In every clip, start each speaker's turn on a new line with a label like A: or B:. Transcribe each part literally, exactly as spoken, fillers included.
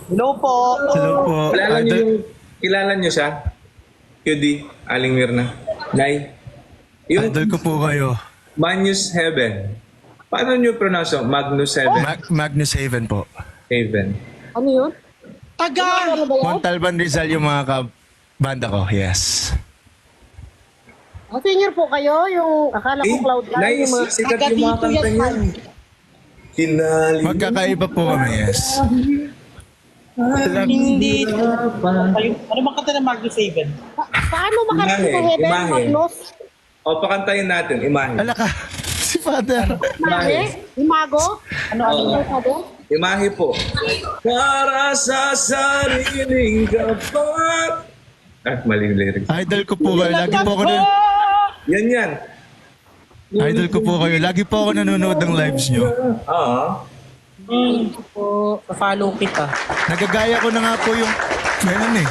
A: Hello po.
B: Hello po.
C: Kilala niyo
B: Idol,
C: yung, kilala niyo siya? Q D, Aling Mirna. Nay, yung
B: idol ko po kayo.
C: Magnus Heaven. Paano niyo pronounce yung Magnus Heaven?
B: Mag- Magnus Haven po.
C: Heaven.
D: Ano yun?
A: Taga!
D: Ano ba yan?
B: Montalban Rizal yung mga kabanda ko. Yes.
D: Ah, senior po kayo, yung akala ko
C: Eh,
D: cloud nine,
C: Nay,
D: yung mga...
C: sikat
A: taga
C: yung mga
A: dito
C: kanta
A: yan,
C: niyan. Kinali.
B: Magkakaiba po kami, yes.
A: Hindi. Kayo, ano bang kanta ng Magnus Haven?
D: Pa- paano makarating sa
C: Imahe,
D: heaven,
C: imahe.
D: Magnus?
C: O, pakantayin natin, imahe.
B: Ala ka. Si Father.
D: Imahe? Imago? Ano, ano
C: Oo.
D: ba sabi?
C: Imahe po. Para sa sariling kapat. Ah, maling lyrics.
B: Idol ko po kayo. Lagi po ako na...
C: Yan yan.
B: Idol ko po kayo. Lagi po ako nanonood ng lives nyo.
C: Oo.
A: Hmm. Po, follow kita.
B: Nagagaya ko na nga po yung... Ganun eh.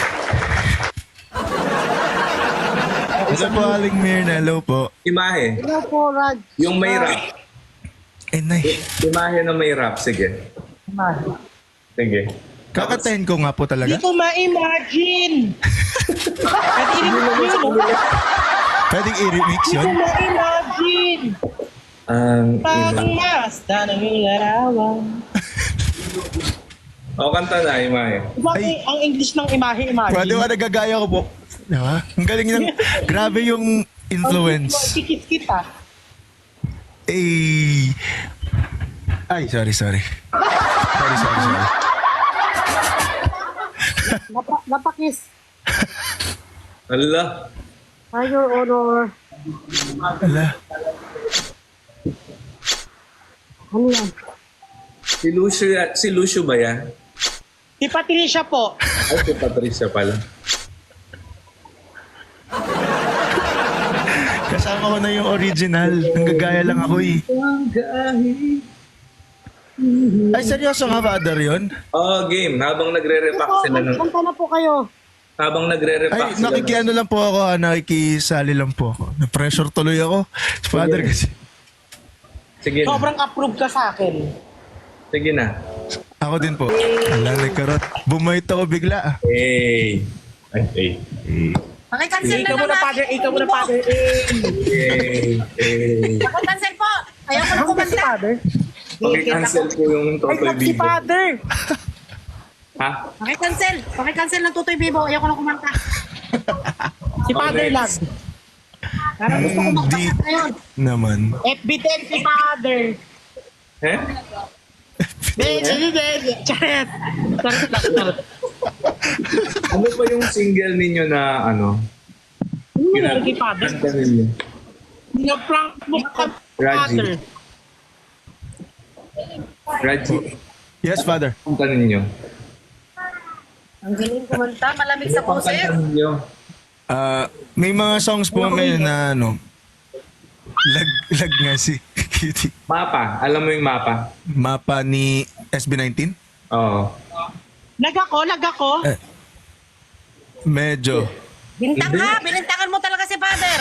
B: Hello po, Aling Mirna. Hello po.
C: Imahe.
D: Hello po, Raj.
C: Yung may rap.
B: Eh, nay.
C: Imahe na may rap. Sige. Sige.
B: Kakatayin ko nga po
A: Hindi
B: talaga.
A: ko ma-imagine. At i-remix yun.
B: Pwedeng i-remix
A: Hindi ko
B: yun?
A: ma-imagine.
C: Ang ima.
A: Pagmasta ng larawan.
C: O, kanta na, imahe.
A: Bakit ang English ng imahe-imagine?
B: Pwede ba nagagaya ko po? Diba? Ang galing ng... Grabe yung influence.
A: Kikis kita.
B: Eh... Ay, sorry, sorry. Sorry, sorry, sorry.
D: Napa, napakis.
C: Allah.
D: Ah, your honor.
B: Ala.
D: Ano yan?
C: Si Lucio, ya- si Lucio ba yan?
A: Si Patricia po.
C: Ay, si Patricia pala.
B: Kasama ko na yung original. Nanggagaya lang ako eh. Ay, seryoso nga, Father, yun?
C: Oh, game. Habang nagre-repack sila ng...
D: Kanta na po kayo.
C: Habang nagre-repack
B: Ay,
C: sila ng...
B: nakikiano lang po ako, ah, nakikisali lang po ako. Na-pressure tuloy ako. Si Father kasi.
C: Sige na.
A: Sobrang approve ka sa akin.
C: Sige na.
B: Ako din po. Ala, nagkarot. Bumait ako bigla ah.
C: Hey. Ay, hey. Hey.
E: Pakikancel na
A: Ikaw muna,
E: naman.
A: father. Ikaw muna, father. Eh.
C: Hey. Hey.
E: Pakikancel po. Ayaw ko na
A: Ano ba si
E: kumanta.
A: father?
C: Paki-cancel po yung
A: Ay,
C: Totoy
A: si
C: Bibo.
A: father.
C: Ha?
E: Pakikancel. Pakikancel ng Tutoy Bibo. Ayaw ko na kumanta.
A: Si father
C: Okay.
A: lang.
E: Parang gusto ko
B: Hindi
E: magpakanta ngayon.
B: naman.
A: F B ten si father.
C: Eh?
A: Charet. Charet lang. Charet.
C: Ano pa yung single ninyo na ano?
A: Ano nangyari kay father?
C: Kanta ninyo?
A: Na-prank mo ka,
C: Raji.
A: father.
C: Raji,
B: Yes, Father.
C: kanta ninyo?
E: Ang galing kumanta. Malamig sa
C: Ano pang
E: puso.
C: kanta ninyo?
B: Ah, may mga songs po ngayon na ano, lag, lag nga si Cutie.
C: Mapa. Alam mo yung mapa?
B: Mapa ni S B nineteen?
C: Oo.
A: Lag ako, lag ako.
B: Eh, medyo.
E: Bintang
C: Hindi.
E: ha. Binintangan mo talaga si father.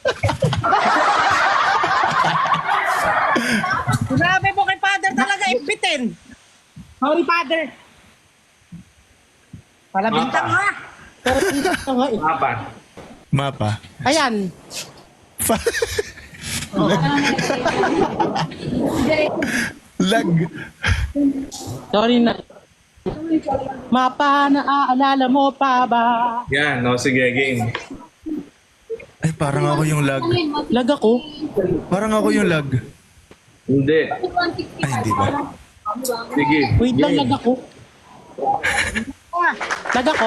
E: Grabe po kay father talaga. Impitin.
A: Sorry, father. Pala bintang
C: Mapa.
A: ha. Pero bintang ha. eh.
C: Mapa.
B: Mapa.
A: Ayan.
B: Fa- lag. lag.
A: Sorry na. Mapa, naaalala mo pa ba?
C: Yan, no, sige, game.
B: Ay, parang ako yung lag.
A: Lag ako.
B: Parang ako yung lag.
C: Hindi.
B: Ay, hindi ba?
C: Sige.
A: Wait lang, lag ako. Lag ako?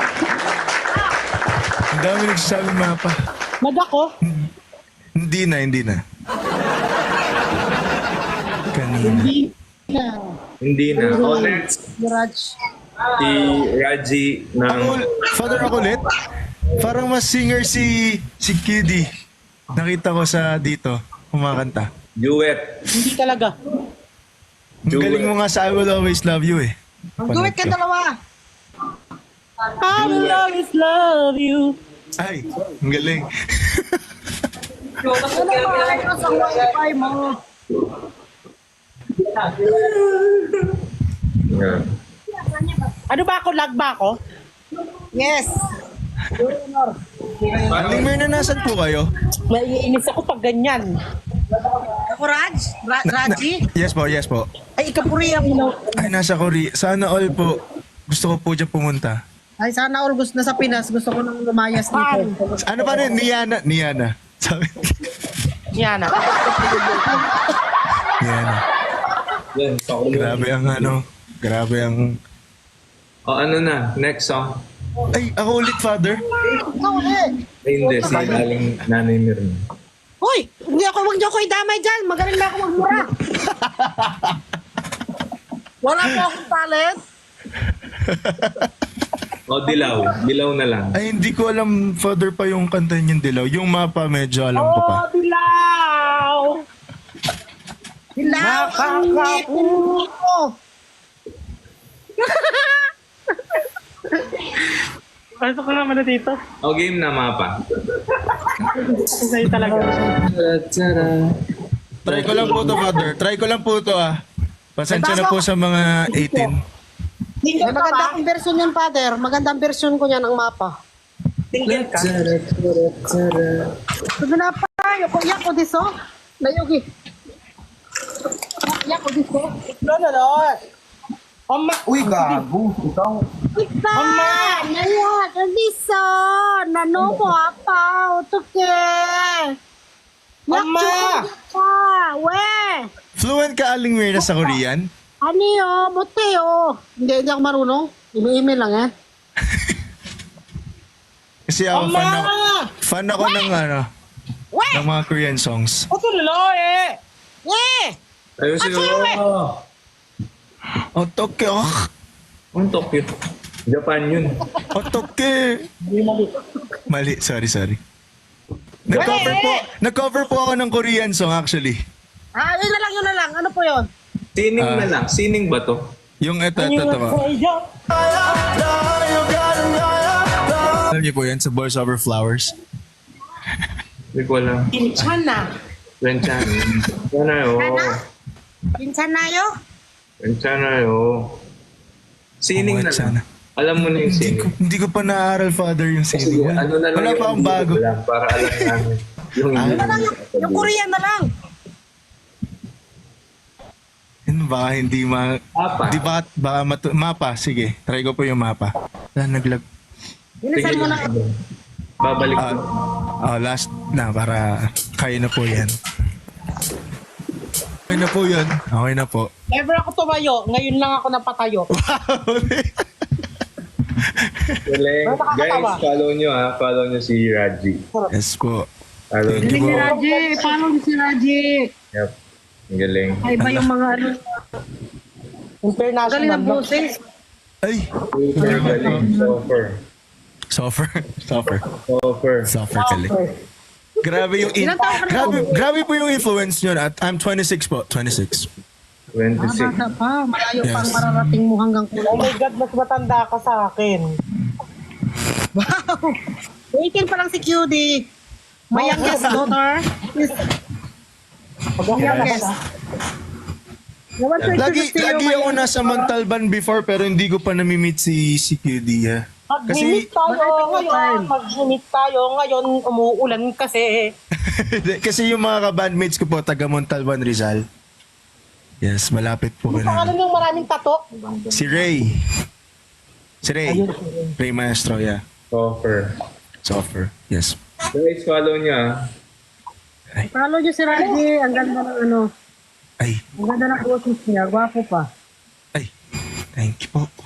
B: Ang dami nagsasabi mapa.
A: Lag ako?
B: Hindi na, hindi na. Kanina.
A: Hindi na.
C: Hindi na. Oh, next.
D: Raj.
C: Si Raji ng...
B: Ako, Father, ako ulit. Parang mas singer si si Kiddy. Nakita ko sa dito, kumakanta.
C: Duet.
A: Hindi talaga.
B: Ang galing mo nga sa I Will Always Love You eh.
E: Mag-duet ka dalawa.
A: I will always love you.
B: Ay, ang galing.
D: Ano ba? Ano sa wifi mo?
C: Yan.
A: Ano ba ako? Lag ba ako?
D: Yes.
B: Aling Mirna, nasan po kayo?
A: Naiinis ako pag ganyan.
D: Ako, Raj? Ra- Raji?
B: Yes po, yes po.
D: Ay, ikapuriya mo.
B: Ay, nasa Korea. Sana all po. Gusto ko po dyan pumunta.
D: Ay, sana all gusto na sa Pinas. Gusto ko nang lumayas dito.
B: Ano pa rin? Niana. Niana. Sabi.
A: Yan ah.
B: Niana.
C: Yan, pakulo.
B: Grabe ang ano. Grabe ang...
C: O ano na, next song.
B: Ay, ako ulit, Father.
D: Ikaw ulit.
C: Ay, hindi, si Aling Nanay Mirna.
D: Hoy, hindi ako, wag niyo ako idamay dyan. Magaling na ako magmura. Wala po akong talent.
C: O, Dilaw. Dilaw na lang.
B: Ay, hindi ko alam, Father, pa yung kanta niyang Dilaw. Yung mapa, medyo alam ko pa.
A: Oh, dilaw!
D: Hilaw ang ngipin mo.
A: Pasok ko naman na dito.
C: O, game na mapa.
A: Sa'yo talaga.
B: Try ko lang po to, Father. Try ko lang po to, ah. Pasensya na po sa mga eighteen.
D: May
A: Single ka ba?
D: maganda akong version yan, Father. Magandang version ko yan ng mapa.
A: Single ka?
D: Sabi na pa, yoko, yako diso. Layugi. Yako diso.
A: No, no, no. Oma. Uy, gago. Ikaw.
D: Kita! Naya, diso. Nano mo apa, utuke.
A: Mama!
D: Yakcho we.
B: Fluent ka, Aling Mirna, sa Korean?
D: Ano yo, buti yo. Hindi, hindi ako marunong. Imi-email lang eh.
B: Kasi ako,
A: Mama!
B: fan ako, fan ako ng, ano,
D: We!
B: ng mga Korean songs.
A: Ito lalo eh.
D: Eh!
C: Ayusin
D: At sa'yo,
C: mo.
B: Otoke, oh.
C: Ang Tokyo. Japan yun.
B: Otoke. Mali, sorry, sorry. Nag-cover po, nag-cover po ako ng Korean song actually.
D: Ah, yun na lang, yun na lang. Ano po yun?
C: Sining
B: Ah.
C: na lang. Sining ba to?
B: Yung eto, eto, eto. po. Alam niyo po yan sa Boys Over Flowers?
C: Hindi ko alam.
A: Pinchan na.
C: Renchana. Renchana yo.
D: Pinsan na yo?
C: Renchana yo. Sining
B: Oo,
C: na
B: Renchana.
C: lang. Alam mo na yung
B: Hindi ko,
C: sining.
B: hindi ko pa naaral, Father, yung
C: Sige,
B: singing.
C: ano na lang
B: Wala pa akong
C: hindi
B: bago.
C: ko alam para alam namin. Yung
B: Ah.
D: Ano lang, yung, yung Korean na lang.
B: Yun, baka hindi ma...
C: Mapa.
B: Di ba, baka matu- mapa, sige. Try ko po yung mapa. Wala, naglag...
D: Bilisan mo na.
C: Babalik
B: Ah,
C: ko.
B: oh, last na, para kaya na po yan. Okay na po yun. Okay na po.
A: Never ako tumayo. Ngayon lang ako napatayo.
C: Galing.
A: Ano nakakatawa?
C: Guys, follow nyo ha. Follow nyo si Raji.
B: Yes po.
C: Follow
B: Thank
C: nyo.
B: you po.
D: Raji, paano si Raji?
C: Yep. Ang galing.
D: Ay ba yung mga ano?
A: International.
D: Galing ng
A: no?
D: boses.
B: Ay!
C: Super galing. Suffer.
B: Suffer. Suffer.
C: Suffer.
B: Suffer kali. Grabe yung... In-
D: Ilang taon ka na?
B: grabe, grabe po yung influence nyo. At I'm twenty-six po. twenty-six.
D: Ah,
C: twenty-six.
D: bata pa. Malayo
B: Yes.
D: pang mararating mo hanggang
A: Oh
D: kulo.
A: my God, mas matanda ka sa akin.
D: Wow! eighteen pa lang si Q D. My youngest daughter is youngest. Naman to
B: Lagi,
D: introduce to you,
B: lagi
D: my
B: ako nasa Montalban before pero hindi ko pa nami-meet si, si Q D. ah.
A: Mag-meet
B: Kasi,
A: tayo
D: Malapit na
A: ngayon.
D: time.
A: Mag-meet tayo ngayon. Umuulan kasi.
B: kasi yung mga ka-bandmates ko po, taga Montalban, Rizal. Yes, malapit po
A: Ang pangalan
B: ka
A: ng maraming tato.
B: Si Ray. Si Ray.
A: Ayun.
B: Ray Maestro, yeah.
C: Suffer.
B: Suffer. Yes.
C: Guys, follow nyo ha.
D: Follow niyo si Raji. Ang ganda ng ano.
B: Ay,
D: Ang ganda ng boses niya. Gwapo pa.
B: ay. Thank you po.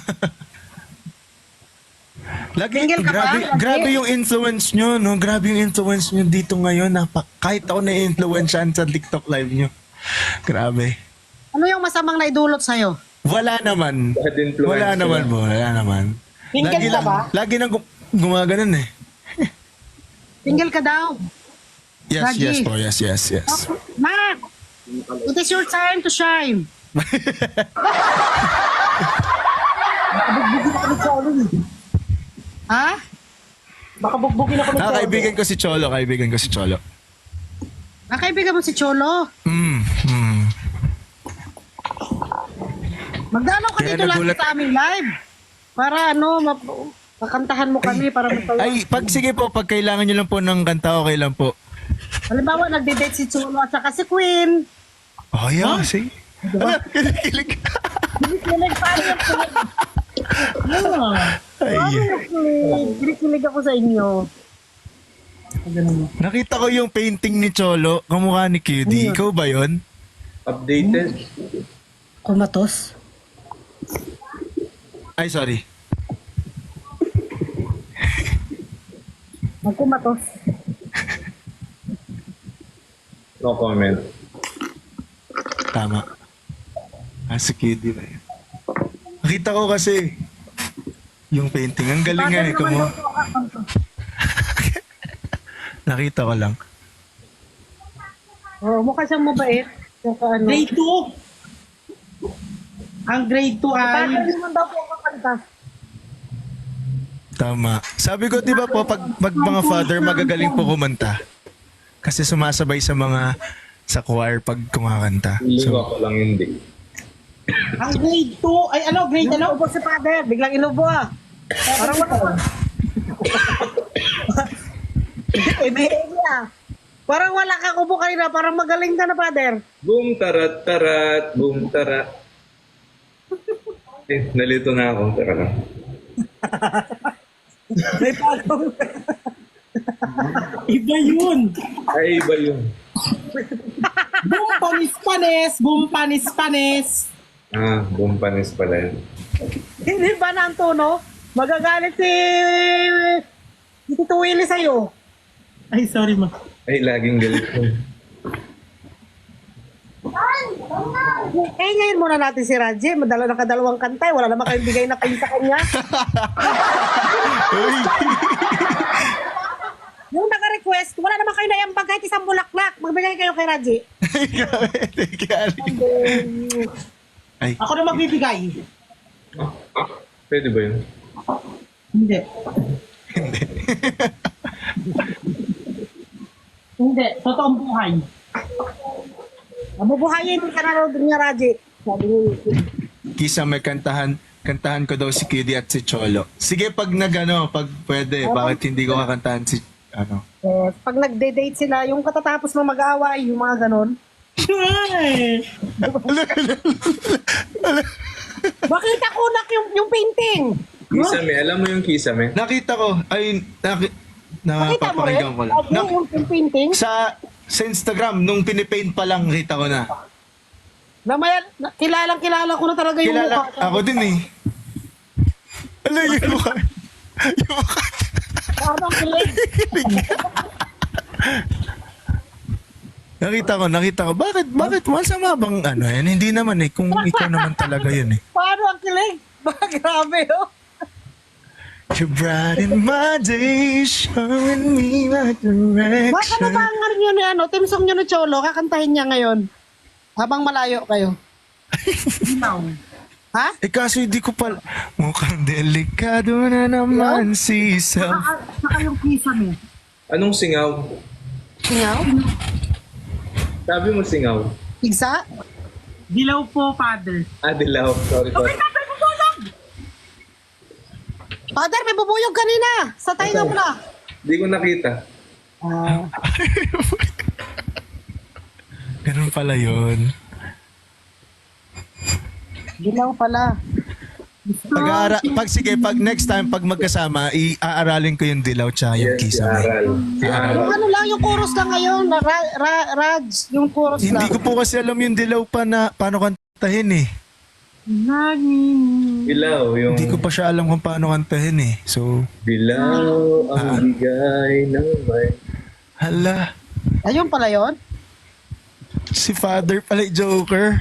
B: Lagi,
D: Single ka ba,
B: grabe,
D: Lagi?
B: grabe yung influence nyo, no? Grabe yung influence nyo dito ngayon. Napa, kahit ako na-influensyan sa TikTok live nyo. Grabe.
D: Ano yung masamang naidulot sa'yo?
B: Wala naman.
C: Bad influence
B: Wala
C: sila.
B: naman po. Wala naman.
A: Single
B: Lagi
A: ka
B: lang,
A: ba?
B: lagi nang gum- gumaganon eh.
D: Single ka daw.
B: Yes,
D: Lagi.
B: yes po. Yes, yes, yes.
D: Mac! It is your time to shine. Ha?
A: Baka bugbugin ako ng
B: Ah,
A: todo.
B: kaibigan ko si Cholo. Kaibigan ko si Cholo.
D: Ah, kaibigan mo si Cholo.
B: Mm, mm.
D: Magdalaw ka
B: Kaya
D: dito lang
B: nagulat-
D: sa aming live. Para ano, map- makantahan mo kami para masaya.
B: Ay, pag sige po, pag kailangan nyo lang po ng kanta, okay lang po.
D: Halimbawa, nagde-date si Chulo at saka si Queen.
B: Oh, yeah, sige. Ala, kinikilig.
D: Kinikilig pa rin ako.
B: Ay,
D: Kinikilig ako sa inyo.
B: nakita ko yung painting ni Cholo, kamukha ni Q D. Ikaw ba yun?
C: Updated.
D: Kumatos.
B: Ay, sorry.
D: Magkumatos.
C: No comment.
B: Tama. Ah, si Q D ba yun? Nakita ko kasi yung painting. Ang galing nga eh. Kumu- Nakita ko lang.
D: Oh, mukha siyang mabait. Saka ano.
A: Grade two. Ang grade two ay...
D: Bakit naman daw po ako kanta?
B: Tama. Sabi ko, di ba po, pag, pag mga father, magagaling po kumanta. Kasi sumasabay sa mga sa choir pag kumakanta.
C: Feeling
B: So,
C: ako lang hindi.
A: Ang grade two ay ano? Grade ano?
D: Inubo si father. Biglang inubo ah. Parang wala. Hindi ah. Parang wala kang ubo kanina. Parang magaling ka na, father.
C: Boom, tarat, tarat, boom, tarat. Eh, nalito na ako. Tara lang.
D: May pagong.
A: Iba yun.
C: Ay, iba yun.
A: Boom panis panis. Boom panis panis.
C: Ah, boom panis pala yun.
D: Hindi ba na ang tono? Magagalit si... Si Tito Willie sa'yo.
A: Ay, sorry ma.
C: Ay, laging galit yun.
D: Eh, ngayon muna natin si Raji. Madala na kadalawang kantay. Wala naman kayong bigay na kayo sa kanya.
B: uy,
D: Yung naka-request, wala naman kayo naiambag kahit isang bulaklak. Magbigay kayo kay Raji.
B: Ay,
A: Ako na magbibigay.
C: Ah, ah, pwede ba yun?
A: Hindi. Hindi. Totoong buhay.
D: Mabubuhayin ka na raw din niya, Raji. Sabi ni
B: kisa may kantahan, kantahan ko daw si Q D at si Cholo. Sige, pag nagano, pag pwede, bakit hindi ko kakantahan si, ano?
D: eh, pag nagde-date sila, yung katatapos mo mag-aaway, yung mga ganon.
A: Ay.
D: Bakit nakunak yung, yung painting?
C: Kisame, alam mo yung kisame?
B: Nakita ko, ay, naki,
D: Nakita mo rin?
B: napapakinggan ko lang.
D: Ano,
B: Na,
D: yung, yung painting?
B: sa, sa Instagram, nung pinipaint pa lang, kita ko na.
D: Na may, na, kilalang kilala ko na talaga yung
B: Kilala,
D: mukha.
B: ako din eh. Ano yung mukha? Yung mukha.
D: Parang kilig.
B: Nakita ko, nakita ko. Bakit, bakit? Masama bang ano yan? Hindi naman eh. Kung ikaw naman talaga yun eh.
D: Paano ang kilig? Ba, grabe oh.
B: You brighten my day, showing me my direction.
D: Baka na ba ang ano nyo ni ano, team song nyo ni Cholo, kakantahin niya ngayon. Habang malayo kayo. Ha?
B: Eh kaso hindi ko pala, mukhang delikado na naman si self.
D: Saka yung kisa mo.
C: Anong singaw?
D: Singaw?
C: Sabi mo singaw.
D: Igsa?
A: Dilaw po, father.
C: Ah, dilaw. Sorry, sorry.
D: Father, may bubuyog kanina. Sa tayo mo na.
C: Hindi ko nakita.
D: Ah,
B: Ganun pala yun.
D: dilaw pala.
B: Pag, pag sige, pag next time, pag magkasama, i-aaralin ko yung dilaw tsaka yung
C: Yes,
B: kisa.
C: si Aral. Si
D: Yung
C: Aral.
D: ano lang, yung chorus lang ngayon. Ra, ra, Raj, yung chorus
B: Hindi
D: lang.
B: ko po kasi alam yung dilaw pa na paano kantahin eh.
C: Dilaw, yung...
B: Hindi ko pa siya alam kung paano kantahin eh. So,
C: Dilaw
B: Ah.
C: ang bigay ng may...
B: hala,
D: Ayun pala yun.
B: si Father pala yung Joker.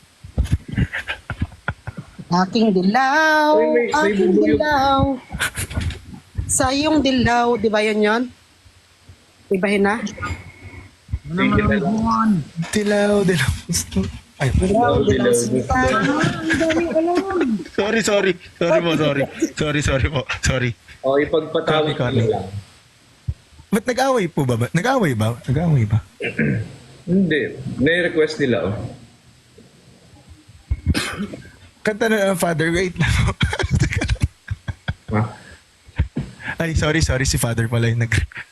D: Aking dilaw,
C: Uy, may- may
D: aking
C: bubuyog.
D: dilaw. Sa iyong dilaw, di ba yun yun? Ibahin na?
C: Sige na lang.
B: Dilaw, dilaw. Ay,
C: Dilaw, dilaw,
D: Sinta.
C: dilaw.
D: Ang dami alam.
B: sorry, sorry. Sorry po, sorry. Sorry, sorry po. Sorry.
C: O, ipagpatawid ko
B: Sorry, sorry.
C: lang.
B: Ba't nag-away po ba? ba? Nag-away ba? Nag-away ba?
C: Hindi. May request nila, oh.
B: Kanta na ng Father, wait lang.
C: Ha?
B: Ay, sorry, sorry. Si Father pala yung nag...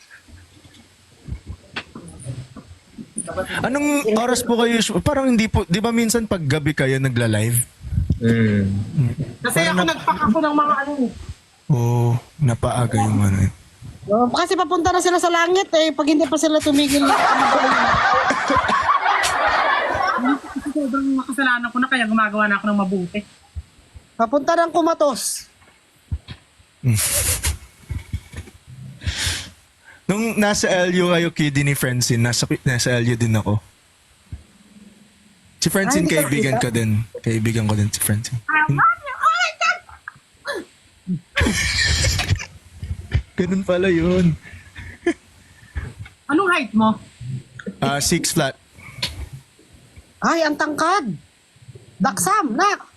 B: Anong oras po kayo? usu- Parang hindi po, di ba minsan pag gabi kayo nagla-live?
C: Mm.
A: Kasi ako nagpack ako ng mga ano.
B: Oo, oh, napaaga yung ano. eh.
D: Oh, kasi papunta na sila sa langit eh. Pag hindi pa sila tumigil.
A: Sobrang makasalanan ko na kaya gumagawa na ako ng mabuti.
D: Papunta ng kumatos.
B: Nung nasa L U kayo, Kiddy ni Francine, nasa, nasa L U din ako. Si Francine,
D: Ay, hindi ka
B: kaibigan
D: nakita?
B: ko din. Kaibigan ko din si Francine. Ganun pala yun.
A: Anong height mo?
B: Ah, six flat.
D: Ay, ang tangkad. Daksam, nak.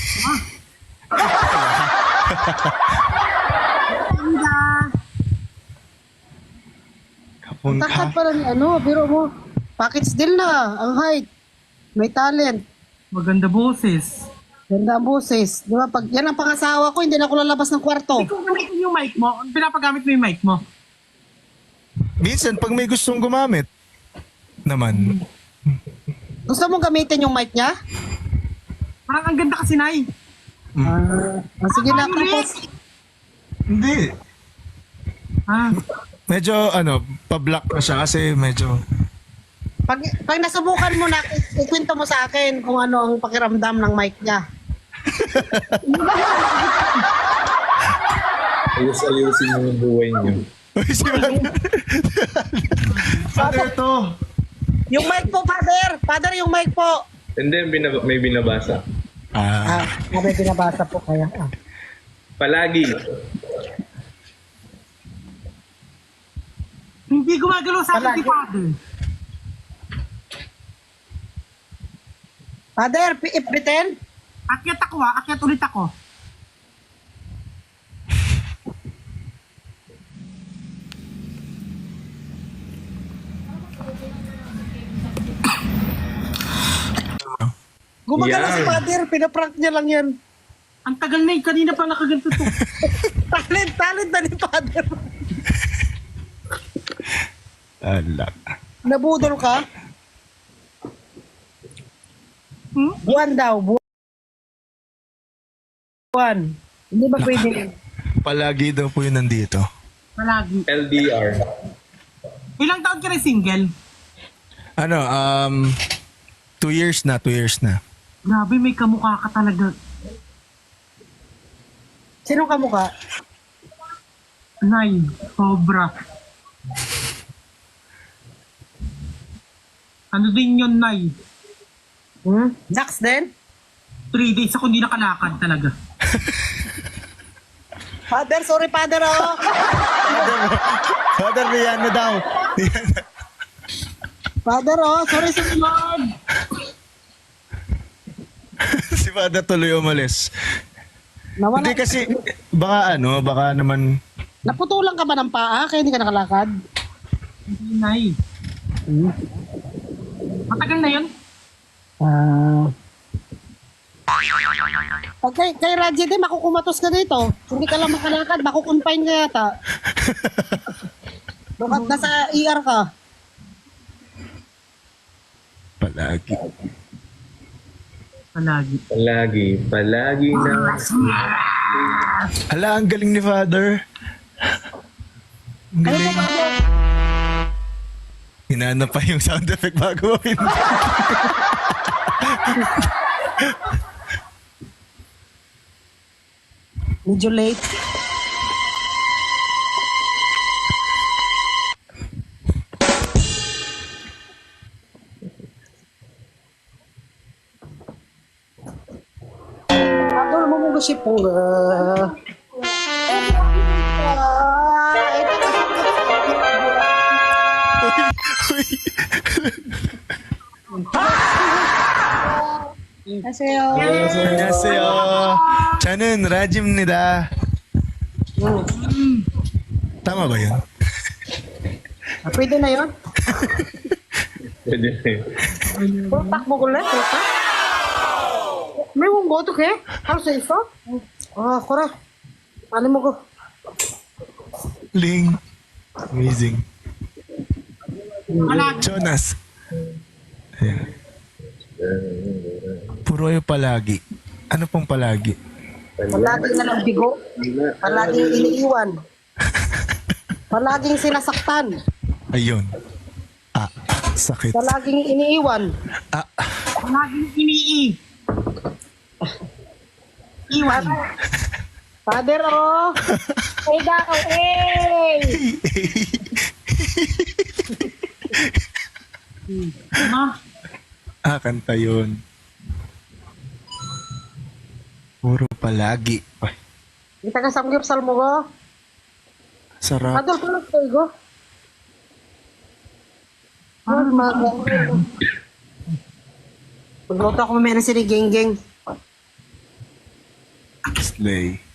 B: Kapon
D: Tangkad
B: ka.
D: pala ni ano, biro mo. Package deal na, ang height. May talent.
A: Maganda boses.
D: Ganda ang boses. Di ba? Pag yan ang pangasawa ko, hindi na ako lalabas ng kwarto.
A: Ikaw gamitin yung mic mo. Pinapagamit mo yung mic mo.
B: Minsan, pag may gustong gumamit, naman.
D: Gusto mong gamitin yung mic niya?
A: Parang ang ganda kasi, Nay.
D: Ah, ah, sige na, tapos.
B: Hindi.
A: Ah,
B: Medyo, ano, pa-block na siya kasi medyo...
D: Pag, pag nasubukan mo na, i- ikwento mo sa akin kung ano ang pakiramdam ng mic niya.
C: Ayos-ayusin mo yung buhay niyo.
B: Uy, si Father. Father to.
D: Yung mic po, father! Father, yung mic po!
C: And then, binab- may binabasa.
B: Ah,
D: Ah, may binabasa po kaya. Ah.
C: Palagi.
A: hindi gumagalaw sa akin si
D: Palagi.
A: Father.
D: Father, pi- ipitin?
A: Akyat ako ah. Akyat ulit ako.
D: Gumagano
C: Yan.
D: si father, pinaprank niya lang yan.
A: Ang tagal na eh. Kanina pa nakaganto to.
D: Talent, talent na ni father.
B: ala.
D: Nabudol ka?
A: Hmm?
D: Buwan daw, bu- buwan. Hindi ba pwede?
B: Palagi daw po yun nandito.
A: Palagi.
C: L D R.
A: Ilang taon ka rin single?
B: Ano, um, two years na, two years na.
A: Grabe, may kamukha ka talaga.
D: Sino ka mukha?
A: Nay, sobra. Ano din yun, Nay?
D: Hmm? Dax din?
A: Three days ako hindi nakalakad talaga.
D: Father, sorry father oh.
B: Father, Rihanna daw.
D: Father oh, sorry sa Lord.
B: Si Father tuloy umalis.
D: Nawala.
B: Hindi kasi, baka ano, baka naman,
D: Naputulan ka ba ng paa kaya hindi ka nakalakad?
A: Hindi, Nay. Matagal na yun.
D: Ah. Pag kay, kay Raji din, makukumatos ka dito. Hindi ka lang makalakad, makukonfine ka yata. Bakit nasa E R ka?
B: palagi.
A: Palagi.
C: Palagi. Palagi na.
B: Ala, ang galing ni Father. Ang
D: Ano
B: galing.
D: ba ba?
B: Hinanap pa yung sound effect bago mo pinag-
D: Medyo late. Ako mo mo kasi po. ah.
B: Uy,
D: Aseyo.
B: 안녕하세요. 저는 라짐입니다. Tama ba yun?
D: Ah, pwede na yun?
C: Pwede na yun.
D: Pulpak mo ko lang. Pulpak? May mong goto ke? Ano sa isa? Ah, kura. Ano mo ko?
B: Ling. Amazing.
D: Anak.
B: Jonas. Ayan. Puro kayo palagi. Ano pong palagi?
D: Palaging na ng bigo. Palaging iniiwan. Palaging sinasaktan.
B: Ayun. Ah, sakit.
D: Palaging iniiwan.
B: Ah,
A: Laging inii. Iwan.
D: Father, oh. Ay, daw, eh.
A: Ma,
B: ah, kanta yun. Puro palagi. Ay,
D: Kita ka samgyup salmo ko.
B: sarap.
D: Adol ko lang kayo ko. Ano, maga. Magluto ako mamaya ng sinigeng-geng.
B: Slay.